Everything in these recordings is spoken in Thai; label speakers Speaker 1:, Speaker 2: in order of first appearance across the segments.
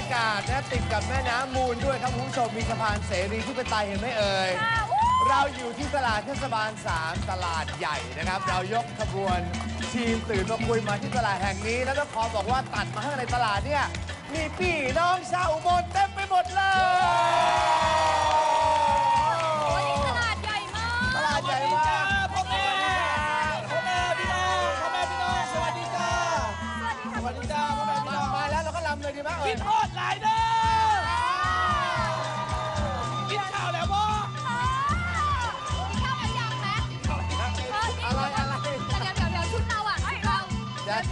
Speaker 1: ากาศนะติดกับแม่น้ำมูลด้วยครับคุณผู้ชมมีสะพานเสรีที่เป็นไตเห็นไหมเอ่ยเราอยู่ที่ตลาดเทศบาล 3 ตลาดใหญ่นะครับเรายกขบวนทีมตื่นมาคุยมาที่ตลาดแห่งนี้แล้วต้องขอบอกว่าตัดมาข้างในตลาดเนี่ยมีพี่น้องชาวอุบลเต็มไปหมดเลย
Speaker 2: วันนี้ตลาดใหญ่มาก
Speaker 1: ตลาดใหญ่มาก
Speaker 3: พ่อแม่พี่น้องสวัสดีจ้าสวัสดีจ้าพ่อแม่พี่น้อง
Speaker 1: มาแล้วเราก็ลำเลยดีไหม
Speaker 3: กินทอดหลายเด้อกินข้าวแล้วบ่
Speaker 2: กินข้าวกันยังไหม
Speaker 1: อะไร
Speaker 2: เดี๋ยวชุดเราอ่ะชุดเรา
Speaker 1: เดี๋ยว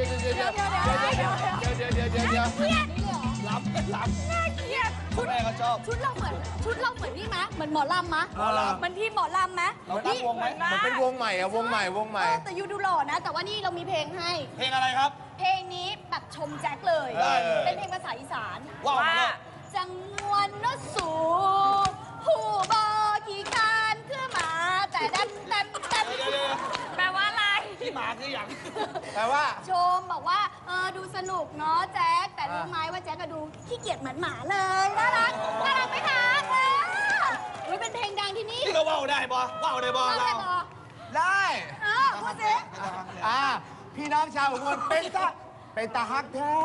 Speaker 3: ล้ำ
Speaker 2: น่าเกลียด
Speaker 3: พ่อแม่ก็ชอบ
Speaker 2: ชุดเราเหมือนนี่มะเหมือนหมอลำมะมันที่หมอลำมะ
Speaker 3: เราตั้งวงไหม
Speaker 1: มันเป็นวงใหม่อะวงใหม่
Speaker 2: แต่ยูดูหล่อนะแต่ว่านี่เรามีเพลงให้
Speaker 3: เพลงอะไรครับ
Speaker 2: เพลงนี้แบบชมแจ็คเลยเป็นเพลงภาษาอีสาน
Speaker 3: ว่า
Speaker 2: จังงวนนสูผู้บอขี่คานคือหมาแต่เต็มแปลว่าอะไร
Speaker 3: พี่หมาคืออย่าง
Speaker 1: แปลว่า
Speaker 2: ชมบอกว่าดูสนุกเนาะแจ็คแต่รู้ไหมว่าแจ็คก็ดูขี้เกียจเหมือนหมาเลยน่ารักไหมคะเป็นเพลงดังที่นี่
Speaker 3: นี่ก็ว่าวได้บ่ว่าวได้บ่เรา
Speaker 1: ได้
Speaker 2: พูดสิ
Speaker 1: พี่น้องชาวอุบลเป็นตาฮักแท้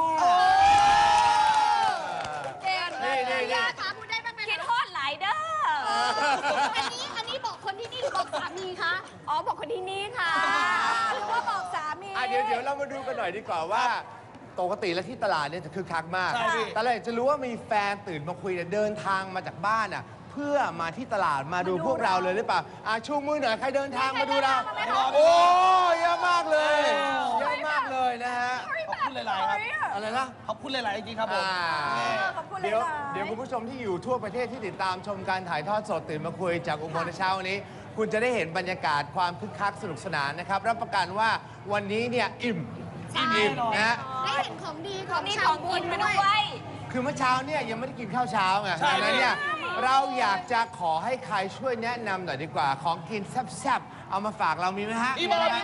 Speaker 2: ยาขาพูดได้บ้างไหมคิดทอดหลายเด้ออันนี้บอกคนที่นี่หรือบอกสามีคะอ๋อบอกคนที่นี่ค่ะหรือว่าบอกสามี
Speaker 1: เดี๋ยวเรามาดูกันหน่อยดีกว่าว่าปกติแล้วที่ตลาดเนี่ยจะคึกคักมากแต่เราอยากจะรู้ว่ามีแฟนตื่นมาคุยเดินทางมาจากบ้านเพื่อมาที่ตลาดมาดูพวกเราเลยหรือเปล่าชูมือหน่อยใครเดินทางมาดูเราโอ้เยอะมากเลยนะฮะ
Speaker 3: ขอบคุณหลายๆครับ
Speaker 1: อะไรนะ
Speaker 3: ขอบคุณหลายๆจริงๆครับผม
Speaker 1: เดี๋ยวคุณผู้ชมที่อยู่ทั่วประเทศที่ติดตามชมการถ่ายทอดสดตื่นมาคุยจากอุบลในเช้านี้คุณจะได้เห็นบรรยากาศความคึกคักสนุกสนานนะครับรับประกันว่าวันนี้เนี่ยอิ่มนะ
Speaker 2: ได้เห็นของดีของกินมาด้วย
Speaker 1: คือเมื่อเช้าเนี่ยยังไม่ได้กินข้าวเช้าไงดังนั้นเนี่ยเราอยากจะขอให้ใครช่วยแนะนำหน่อยดีกว่าของกินแซ่บๆเอามาฝากเรามีไหมฮะ
Speaker 3: มีไหมนี่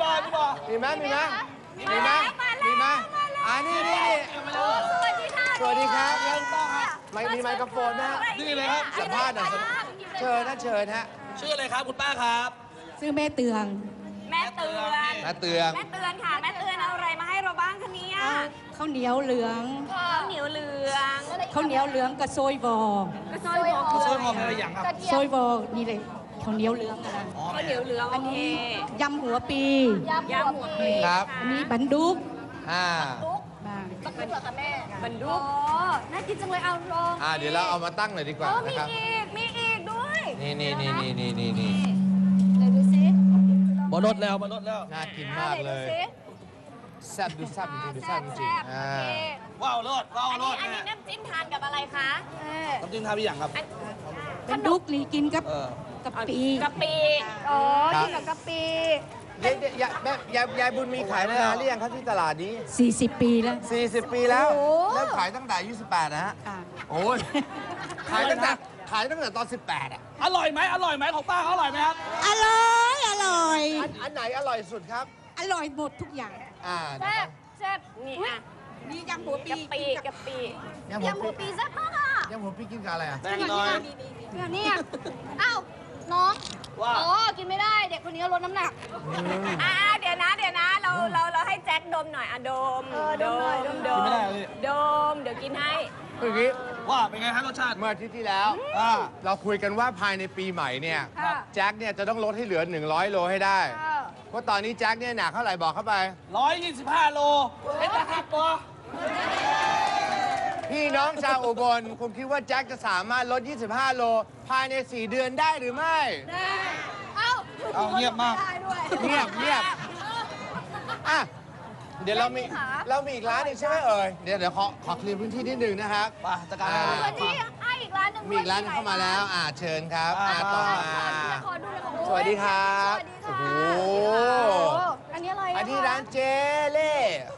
Speaker 2: สวัสดีค่ะ
Speaker 1: มีไมโครโฟนนะ
Speaker 3: นี่เลยครับ
Speaker 1: สัมภาษณ์หน่อยเชิญฮะชื่อ
Speaker 3: อะไรครับคุณป้าครับ
Speaker 4: ชื่อแม่เตือง
Speaker 2: แม่เตือนค่ะแม่เตือนเอาอะไรมาให้เราบ้างคะเนี่ย
Speaker 4: ข้าวเหนียวเหลืองกับโซยบอ
Speaker 3: โซยบออะไรอย่างครับ
Speaker 4: โซยบอนี่เลยข้าวเหนียวเหลืองอะไร
Speaker 2: ข้าวเหนียวเหลือง
Speaker 4: อันนี้ยำหัวปี
Speaker 1: ครับ
Speaker 4: อันนี้บันดุก
Speaker 2: บันดุกเหรอคะแม่บันดุกน่ากินจังเลยเอาลอง
Speaker 1: เดี๋ยวเราเอามาตั้งหน่อยดีกว่า
Speaker 2: นะครับมีอีกด้วย
Speaker 1: นี่
Speaker 2: เดี๋ยวดูสิ
Speaker 3: มาลดแล้ว
Speaker 1: น่ากินมากเลยแซ่บดูแซ่บจริง
Speaker 3: ว้าวรส
Speaker 2: อันนี้น้ำจิ้มทานกับอะไรคะ
Speaker 3: น้ำจิ้มทานไปอย่างครับ
Speaker 4: บันดุกนี่กินกับกะปิ
Speaker 2: อ๋อกินกับกะปิ
Speaker 1: ยายบุญมีขายมานานหรือยังครับที่ตลาดนี้
Speaker 4: 40 ปีแล้ว
Speaker 1: 40 ปีแล้วเริ่มขายตั้งแต่อายุ18นะฮะโอ้ยขายตั้งแต่ตอน18
Speaker 3: อร่อยไหมของป้าเขาอร่อยไหมครับ
Speaker 4: อร่อย
Speaker 1: อันไหนอร่อยสุดครับ
Speaker 4: อร่อยหมดทุกอย่าง
Speaker 2: แซ่บนี่
Speaker 4: มียำหัวปี
Speaker 2: กะปิยำหัวปีแซ่บมากอ่ะ
Speaker 1: ยำหัวปีกินกับอะไร
Speaker 3: แป้งน้อย
Speaker 2: นี่อ้าวน้องกินไม่ได้เด็กคนนี้ลดน้ำหนักเดี๋ยวนะเราให้แจ็คดมหน่อยดมเดี๋ยวกินให้
Speaker 1: คืออย่างนี้
Speaker 3: ว่าเป็นไงฮะรสชาติ
Speaker 1: เมื่ออาทิตย์ที่แล้วเราคุยกันว่าภายในปีใหม่เนี่ยแจ็คเนี่ยจะต้องลดให้เหลือ100 โลให้ได้เพราะตอนนี้แจ็คเนี่ยหนักเท่าไหร่บอกเข้าไป
Speaker 3: 125 โลเอ็ดนะครับปอ
Speaker 1: พี่น้องชาวอุบลคุณคิดว่าแจ็คจะสามารถลด25 โลภายใน4 เดือนได้หรือไม่
Speaker 2: ได้
Speaker 3: เงียบมาก
Speaker 1: เงียบเดี๋ยวเรามีอีกร้านหนึ่งใช่ไหมเอ่ยเดี๋ยวขอเคลียร์พื้นที่นิดนึงนะครับ
Speaker 3: จัดการ
Speaker 2: พื้นที่อีกร้านหนึ่ง
Speaker 1: มีอีกร้านเข้ามาแล้วเชิญครับต่อมา
Speaker 2: สวัสดีครับ
Speaker 1: โอ้โห
Speaker 2: อันนี้อะไร
Speaker 1: อันนี้ร้านเจเล่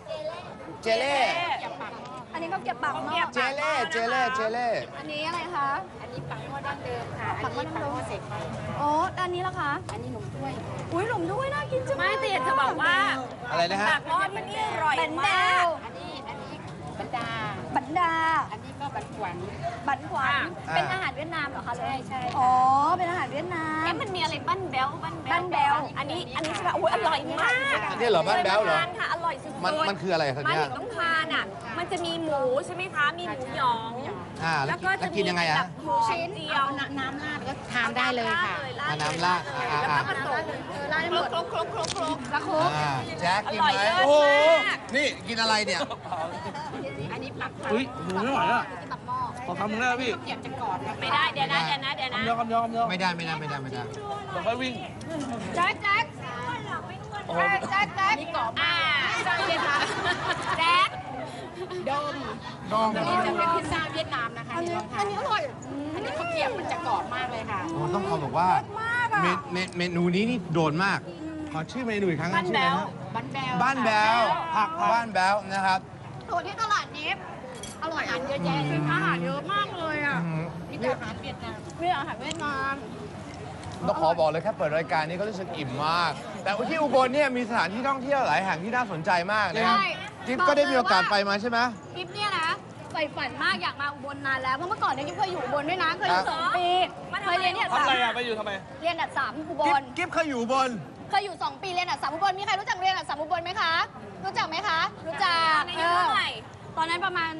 Speaker 2: อันนี้ก็เก็บปักเนาะ
Speaker 1: เจเล่
Speaker 2: อันนี้อะไรคะ
Speaker 5: อันนี้ปักหม้อดั้งเดิมค่ะ
Speaker 2: ปักหม้อ
Speaker 5: เสร็จไป
Speaker 2: อันนี้ล่ะคะ
Speaker 5: อันนี้หนุ่มด้วย
Speaker 2: อุ้ยหนุ่มด้วยน่ากินจัง
Speaker 5: ไม่เตียนจะบอกว่า
Speaker 1: อะไรนะฮะ
Speaker 2: ปักหม้อที่นี่อร่อยมาก
Speaker 5: อันนี้
Speaker 2: ป
Speaker 5: รดา
Speaker 2: บันดา
Speaker 5: อันนี้ก็บันขวัญ
Speaker 2: บันขวัญเป็นอาหารเวียดนามเหรอคะ
Speaker 5: ใช่ใช่
Speaker 2: อ๋อเป็นอาหารเวียดนาม
Speaker 6: มันมีอะไรปั้นแบล
Speaker 2: บันแบล
Speaker 6: อันนี้ใช่ไหมโอ้ยอร่อยมาก
Speaker 1: อันนี้เหรอบ้านแบ๊วเหรอ
Speaker 6: ทานค่ะอร่อยสุดๆ
Speaker 1: มันคืออะไรครับ
Speaker 6: มา
Speaker 1: เนี่ย
Speaker 6: ถึงต้องทานอ่ะมันจะมีหมูใช่ไหมคะมีหมูหยอง
Speaker 1: แล้ว
Speaker 6: ก็
Speaker 1: กินยังไง
Speaker 6: แบ
Speaker 1: อะ
Speaker 6: บหมูชิ้นเดียว
Speaker 5: น้ำราดก็ทานได้เลยค่ะ
Speaker 1: น้ำราด
Speaker 6: แล้วก็ผสม
Speaker 2: ร้านหมด
Speaker 6: ครบ
Speaker 2: กระโคก
Speaker 1: แจ็คกิน
Speaker 6: อร่อย
Speaker 1: ไหม
Speaker 6: เลิศ
Speaker 1: โอ้โห
Speaker 6: มาก
Speaker 1: นี่กินอะไรเนี่ย
Speaker 5: อันนี้ปัก
Speaker 3: อุ้ยหมูไม่ไหวอ่ะ
Speaker 2: ตับหม้อ
Speaker 3: ขอคำนึงได้ไหมพี่
Speaker 5: เกียบจะกรอบนะ
Speaker 6: ไม่ได้เดี๋ยวนะ
Speaker 3: คำเดียวคำเดียวคำเดียว
Speaker 1: ไม่ได้
Speaker 3: เดี๋ยวค่อยวิ่ง
Speaker 2: แจ็คแจ็ค
Speaker 3: โอ้โห
Speaker 2: แจ็คแจ็ค
Speaker 5: นี่กรอบ
Speaker 6: อ่า
Speaker 5: แจ็คโดม
Speaker 1: ดอง
Speaker 5: อันนี้จะเป็นพิซซ่าเวียดนามนะคะ
Speaker 2: อันนี้
Speaker 5: ลองทา
Speaker 2: อั
Speaker 5: น
Speaker 2: นนี้อร่อย
Speaker 5: อันนี้ข้าวเกรียบมันจะกรอบมากเลยค่ะ
Speaker 1: โอ้ต้องขอบอกว่า
Speaker 2: มากอ่ะ
Speaker 1: เมนูนี้นี่โดนมาก ขอชื่อเมนูอีกครั้งนะชื่ออะไรนะ
Speaker 5: บันแบล
Speaker 1: บ้านแบวบ้านแบวนะครับ
Speaker 2: ตัวที่ตลาดนี้อร่อย
Speaker 5: อาหารเยอะแยะเลย
Speaker 2: อาหารเยอะมากเลยอ่ะ
Speaker 5: นี่แต่อาหารเวียดนาม
Speaker 2: มีอาหารเวียดนาม
Speaker 1: ต้องขอบอกเลยแค่เปิดรายการนี้ก็รู้สึกอิ่มมาก แต่ที่อุบลเนี่ยมีสถานที่ท่องเที่ยวหลายแห่งที่น่าสนใจมากนะครับ
Speaker 2: ใช่
Speaker 1: จิ๊บก็ได้มีโอกาสไปมาใช่ไหม
Speaker 2: คลิปเนี่ยนะใฝ่ฝันมากอยากมาอุบลนานแล้วเพราะเมื่อก่อนเนี่ยกิ๊บเคยอยู่อุบลด้วยนะเคยอยู่
Speaker 1: ครับ
Speaker 2: 2 ปีเคยเรียนเนี่ย
Speaker 3: ทำอะไรอ่ะ ไปอยู่ทำไม
Speaker 2: เรียนอัด3อุบ
Speaker 1: กิ๊บ
Speaker 2: ล
Speaker 1: กิ๊บเคยอยู่อุบน
Speaker 2: เคยอยู่ 2 ปีเรียนอัด3อุบลมีใครรู้จักเรียนอัด3อุบลไหมคะ รู้จักไหมคะ รู้จัก
Speaker 6: อายุเท่าไหร่
Speaker 2: ตอนนั้นประมาณ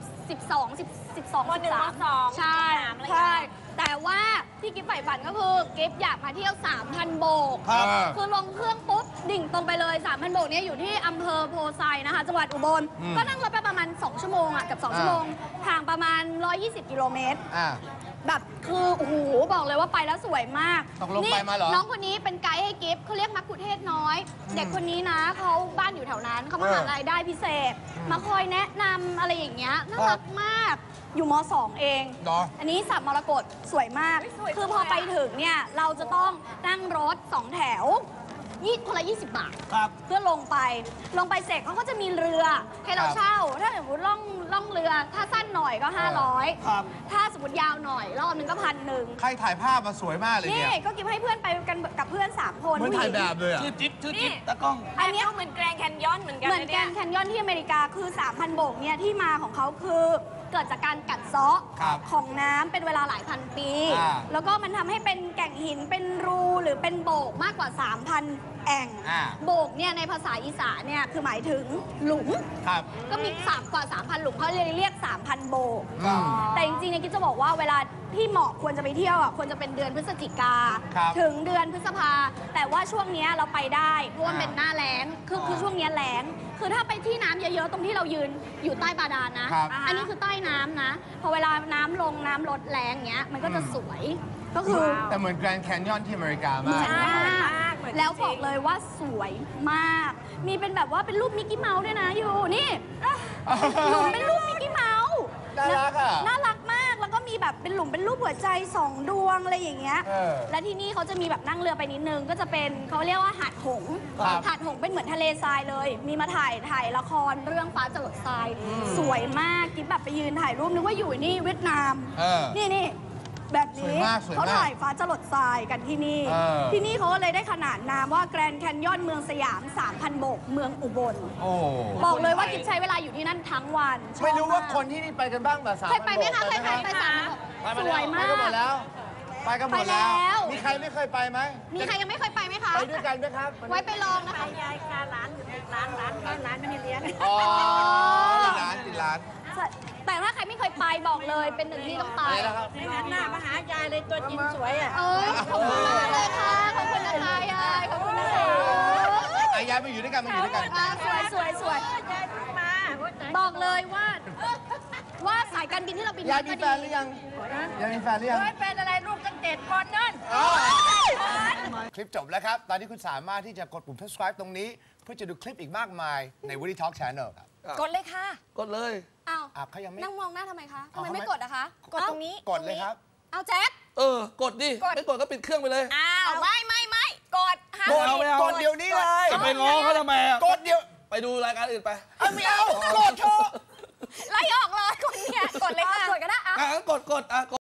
Speaker 2: 12
Speaker 6: มหนึ่งมสอง
Speaker 2: ใช่
Speaker 6: มสามอะไรอย่างเงี้ย
Speaker 2: ใช่ แต่ว่าที่กิ๊บใฝ่ฝันก็คือกิ๊บอยากมาเที่ยว 3,000 โบก
Speaker 1: ครับ
Speaker 2: คือลงเครื่องปุ๊บ ดิ่งตรงไปเลย 3,000 โบกเนี่ยอยู่ที่อำเภอโพไซนะคะ จังหวัดอุบล ก็นั่งรถไปประมาณ 2 ชั่วโมงอ่ะ กับ 2 ชั่วโมง ทางประมาณ 120 กิโลเมตร
Speaker 1: อ่า
Speaker 2: แบบคือโอ้โหบอกเลยว่าไปแล้วสวยมาก
Speaker 1: ตกลงไปมาเหรอ
Speaker 2: น้องคนนี้เป็นไกด์ให้กิฟต์เขาเรียกมักคุเทศน้อย เด็กคนนี้นะเขาบ้านอยู่แถวนั้นเขามาหารายได้พิเศษ มาคอยแนะนำอะไรอย่างเงี้ยน่ารักมาก อยู่ม .2 เอง
Speaker 1: เหรอ
Speaker 2: อันนี้สับมรกตสวยมาก คือพอไปถึงเนี่ยเราจะต้องนั่งรถ 2 แถวคนละ 20 บาท
Speaker 3: ครับ
Speaker 2: เพื่อลงไปเสร็จเขาก็จะมีเรือให้เราเช่า ถ้าสมมติล่องเรือ ถ้าสั้นหน่อยก็ 500
Speaker 3: ครับ
Speaker 2: ถ้าสมมติยาวหน่อยรอบนึงก็1,000
Speaker 1: ใครถ่ายภาพมาสวยมากเลย
Speaker 2: นี่
Speaker 1: เนี่ย
Speaker 2: ก็กิฟให้เพื่อนไปกันกับเพื่อน 3 คน
Speaker 1: เหมือนถ่ายแบบเลยอ่ะ
Speaker 3: ชื่อจิ๊บตะกล้อง
Speaker 6: อันนี้เหมือนแกรนด์แคนยอนเหมือนกัน
Speaker 2: เหมือน
Speaker 6: นะ
Speaker 2: แกร
Speaker 6: เนี่ย
Speaker 2: นด์แคนยอนที่อเมริกาคือ 3,000 โบกเนี่ยที่มาของเขาคือเกิดจากการกัดเซาะ
Speaker 1: ครับ
Speaker 2: ของน้ำเป็นเวลาหลายพันปี
Speaker 1: อ่า
Speaker 2: แล้วก็มันทำให้เป็นแก่งหินเป็นรูหรือเป็นโบกมากกว่า 3,000 แอ่ง
Speaker 1: อ่า
Speaker 2: โบกเนี่ยในภาษาอีสานเนี่ยคือหมายถึงหลุม
Speaker 1: ครับ
Speaker 2: ก็มีกว่า 3,000 หลุมเขาเลยเรียก 3,000 โบก
Speaker 1: อืม
Speaker 2: แต่จริงๆเนี่ยกิ๊บจะบอกว่าเวลาที่เหมาะควรจะไปเที่ยวอ่ะควรจะเป็นเดือนพฤศจิกา
Speaker 1: ครับ
Speaker 2: ถึงเดือนพฤษภา แต่ว่าช่วงเนี้ยเราไปได้เพราะว่า
Speaker 1: อ่า
Speaker 2: เป็นหน้าแล้งคือช่วงเนี้ยแล้ง คือถ้าไปที่น้ำเยอะๆ ตรงที่เรายืนอยู่ใต้บาดาลนะ
Speaker 1: ครับ
Speaker 2: อันนี้คือใต้น้ำนะ พอเวลาน้ำลงน้ำลดแรงเงี้ยมันก็จะสวย ก็คือ
Speaker 1: แต่เหมือนแกรนด์แคนยอนที่อเมริกามาก
Speaker 2: ใช่
Speaker 6: เหมือนจริง
Speaker 2: แล้วบอกเลยว่าสวยมาก มีเป็นแบบว่าเป็นรูปมิกกี้เมาส์ด้วยนะอยู่นี่หลุมเป็นรูปมิกกี้เมาส์
Speaker 1: น่ารักอ่ะ
Speaker 2: น่ารักมาก แล้วก็มีแบบเป็นหลุมเป็นรูปหัวใจ2 ดวงอะไรอย่างเงี้ย
Speaker 1: เออ
Speaker 2: และที่นี่เขาจะมีแบบนั่งเรือไปนิดนึง ก็จะเป็นเขาเรียกว่าหาดหงส์
Speaker 1: ครับ
Speaker 2: หาดหงส์เป็นเหมือนทะเลทรายเลย มีมาถ่ายละครเรื่องฟ้าจรดทราย สวยมากกิ๊บแบบไปยืนถ่ายรูปนึกว่าอยู่นี่เวียดนาม
Speaker 1: เออ
Speaker 2: นี่แบบ
Speaker 1: สวย
Speaker 2: นี้
Speaker 1: มากสวยมาก
Speaker 2: เขาถ่ายฟ้าจรดทรายกันที่นี่
Speaker 1: เออ
Speaker 2: ที่นี่เขาก็เลยได้ขนานนามว่าแกรนด์แคนยอนเมืองสยาม 3,000 โบกเมืองอุบล
Speaker 1: โอ้
Speaker 2: บอกเลยว่ากิ๊บใช้เวลาอยู่ที่นั่นทั้งวันชอบ
Speaker 1: ไม่รู้ว่า
Speaker 2: าก
Speaker 1: คนที่นี่ไปกันบ้างแบบสาม
Speaker 2: เคยไปไหมคะเคยไปสาม
Speaker 3: ไปมา
Speaker 2: ส
Speaker 3: แล้ว
Speaker 2: วย
Speaker 1: ไป
Speaker 2: มา
Speaker 1: กันหม
Speaker 2: ก
Speaker 1: ดแล้ว ไปกันหมด
Speaker 2: ไปแล้
Speaker 1: แล้ว
Speaker 2: ว
Speaker 1: มีใครไม่เคยไปไหม
Speaker 2: มีใครยังไม่เคยไปไหมคะ
Speaker 1: ไปด้วยกันไหมครับ
Speaker 2: ไว้ไปลองนะคะ
Speaker 5: ยายค่ะร้านอยู่ร้านไม่ได้เลี้ยง
Speaker 1: อ๋อติดร้าน
Speaker 2: แต่ถ้าใครไม่เคยไปบอกเลยเป็นหนึ่งที่ต้องไป
Speaker 1: อะไรนะครับ
Speaker 5: ไม่งั้นหน้ามาหายายเลยตัวจริงสวยอ่ะ
Speaker 2: เอ้ยขอบคุณมากเลยค่ะ ขอบคุณนะคะยาย ขอบคุณนะคะ
Speaker 1: อายายมาอยู่ด้วยกันมาอยู่ด้วยกัน
Speaker 2: อ่าสวย
Speaker 5: ยายมา
Speaker 2: บอกเลยว่าสายการบินที่เราบิน
Speaker 1: ยายมีแฟนหรือยังยายมีแฟนหรือยัง
Speaker 5: เป็นอะไรลูกตั้ง7 คนนั่น
Speaker 1: คลิปจบแล้วครับ ตอนนี้คุณสามารถที่จะกดปุ่ม subscribe ตรงนี้ เพื่อจะดูคลิปอีกมากมายใน Woody Talk Channel ครับ
Speaker 6: กดเลยค่ะ
Speaker 3: กดเลย
Speaker 2: อ้าว
Speaker 1: เขายังไม่
Speaker 2: นั่งมองหน้าทำไมคะทำ
Speaker 1: เอา
Speaker 2: ไม
Speaker 1: เขาไม่
Speaker 2: ไม่กดอะคะ
Speaker 6: กดตรงนี้
Speaker 1: กดเลยครับ
Speaker 2: เอาแจ็ค
Speaker 3: กดดิ ไม่กดก็ปิดเครื่องไปเลย
Speaker 6: อ้าวไม่กดห้าม
Speaker 3: กดเอาไม่เอา
Speaker 1: กดเดี๋ยวนี้เลย
Speaker 3: จะไปง้อเขาทำไมอ่ะ
Speaker 1: กดเดี๋ยว
Speaker 3: ไปดูรายการอื่นไป
Speaker 1: ไม่เอา กดเถอะ
Speaker 6: ไล่ออกเลยคนเนี่ยกดเลยค่ะ
Speaker 2: กดก็ได้
Speaker 3: งั้นกด